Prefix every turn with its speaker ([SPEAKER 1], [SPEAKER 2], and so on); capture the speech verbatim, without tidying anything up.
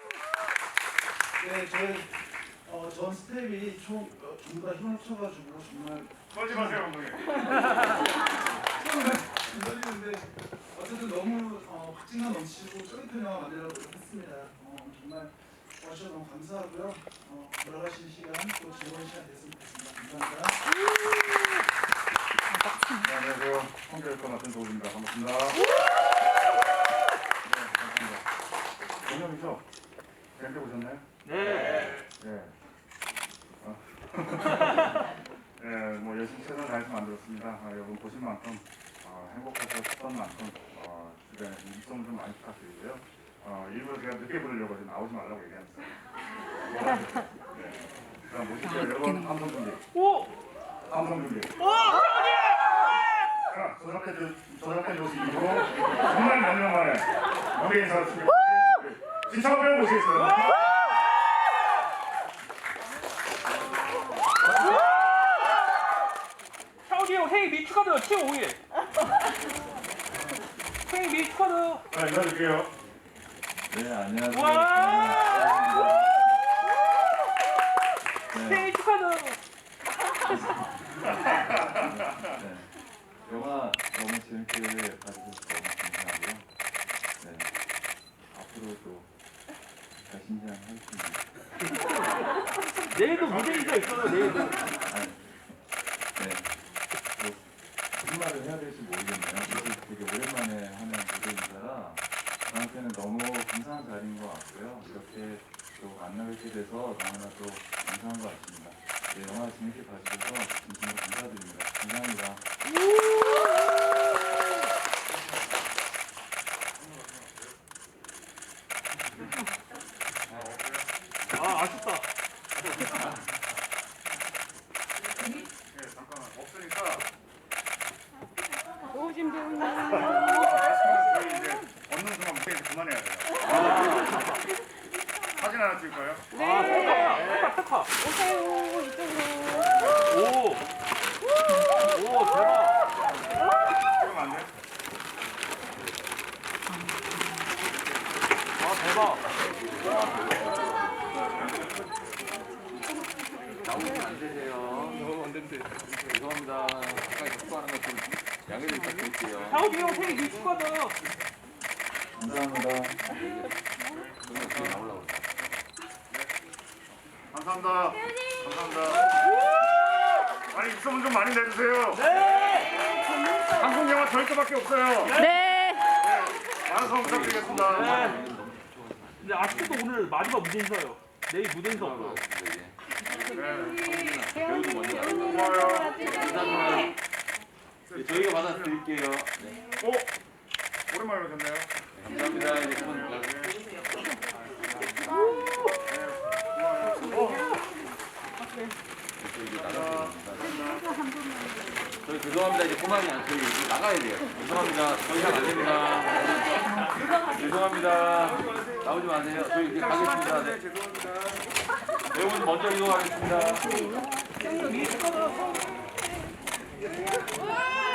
[SPEAKER 1] 네, 저희 어, 전 스텝이 총, 어, 전부 다 힘을 합쳐가지고 정말
[SPEAKER 2] 떨지 마세요, 감독님.
[SPEAKER 1] 안 떨리는데 어쨌든 너무 어, 박진감 넘치고 쫄깃한 영화 만들려고 노력했습니다. 어, 정말 와주셔서 너무 감사하고요. 어, 돌아가시는 시간 또 즐거운 시간 됐으면 좋겠습니다. 감사합니다.
[SPEAKER 2] 네, 안녕하세요. 성교육과 맡은 도우입니다. 반갑습니다. 네, 반갑습니다. 공연이죠? 재밌게 보셨나요?
[SPEAKER 3] 네.
[SPEAKER 2] 네. 어. 네, 뭐 열심히 최선을 다해서 만들었습니다. 아, 여러분 보신 만큼 어, 행복하셨던 만큼 어, 주변에 입소문 좀 많이 부탁드리고요. 어, 일부러 제가 늦게 부르려고 해서 나오지 말라고 얘기했어요. 네. 그럼 모실게요. 여러분 함성 준비.
[SPEAKER 3] 오!
[SPEAKER 2] 함성 준비.
[SPEAKER 3] 오! 태훈이!
[SPEAKER 2] 자, 저렇게 저렇게 모습으로 정말 몇 년 만에 무대 인사를 드리고 신청을 배워 보시겠어요?
[SPEAKER 3] 태훈이 형 생일 미 축하드려요. 칠 월 오 일. 생일 미 축하드려요.
[SPEAKER 2] 자, 인사드릴게요.
[SPEAKER 4] 네, 안녕하세요.
[SPEAKER 3] 와!
[SPEAKER 4] 네,
[SPEAKER 3] 생일 축하드려요.
[SPEAKER 4] 네. 영화 너무 재밌게 봐주셔서 너무 감사하고요. 네, 앞으로도 잘 신장하겠습니다.
[SPEAKER 3] 내일도 무대 인사 있어요. 내일도.
[SPEAKER 4] 아니, 네, 뭐 무슨 말을 해야 될지 모르겠네요. 사실 되게 오랜만에 하는 무대 인사라 저한테는 너무 감사한 자리인 것 같고요. 이렇게 또 만나뵙게 돼서 너무나 또 감사한 것 같습니다. 네, 영화 재밌게 봐주셔서 진심으로 감사드립니다. 감사합니다.
[SPEAKER 3] 아, 아쉽다.
[SPEAKER 2] 네, 잠깐만 없으니까
[SPEAKER 5] 오신 배우님.
[SPEAKER 2] 아시면 저희 이제 얻는 순간 무대에서 그만해야 돼요. 사진 하나 찍을까요?
[SPEAKER 3] 아, 셀카, 셀카.
[SPEAKER 5] 오세요, 이쪽으로.
[SPEAKER 3] 오! 오, 대박.
[SPEAKER 2] 찍으면 안 돼?
[SPEAKER 3] 아, 대박.
[SPEAKER 6] 나오시면 안 되세요.
[SPEAKER 3] 너무 안 된대.
[SPEAKER 6] 죄송합니다. 가까이 접촉하는 것 좀 양해를 부탁드릴게요.
[SPEAKER 3] 태훈이 형 생일 미 축하드려요.
[SPEAKER 4] 감사합니다.
[SPEAKER 6] 저는 어떻게 나오려고 그래요?
[SPEAKER 2] 감사합니다. 감사합니다. 아니 입소문 좀 많이 내주세요.
[SPEAKER 3] 네!
[SPEAKER 2] 한국 영화 저희 거밖에 없어요.
[SPEAKER 5] 네.
[SPEAKER 2] 많은 성원 부탁드리겠습니다.
[SPEAKER 3] 네. 근데 아쉽게도 오늘 마지막 무대 인사예요. 내일 무대 인사 없어요.
[SPEAKER 2] 네.
[SPEAKER 6] 배우도 먼저 나가요.
[SPEAKER 2] 고마워요.
[SPEAKER 6] 인사드리면 저희가 받아드릴게요. 네.
[SPEAKER 2] 오! 오랜만에 오셨네요.
[SPEAKER 6] 감사합니다. 이제 손
[SPEAKER 2] 네.
[SPEAKER 6] 저희 이제 나가야 저희 죄송합니다. 이제 그만이 안 저희 이제 나가야 돼요. 죄송합니다. 더 이상 안 됩니다. 죄송합니다. 나오지 마세요. 저희 이제 가겠습니다. 네. 배우분 먼저 이동하겠습니다.
[SPEAKER 3] 미 축하드려요.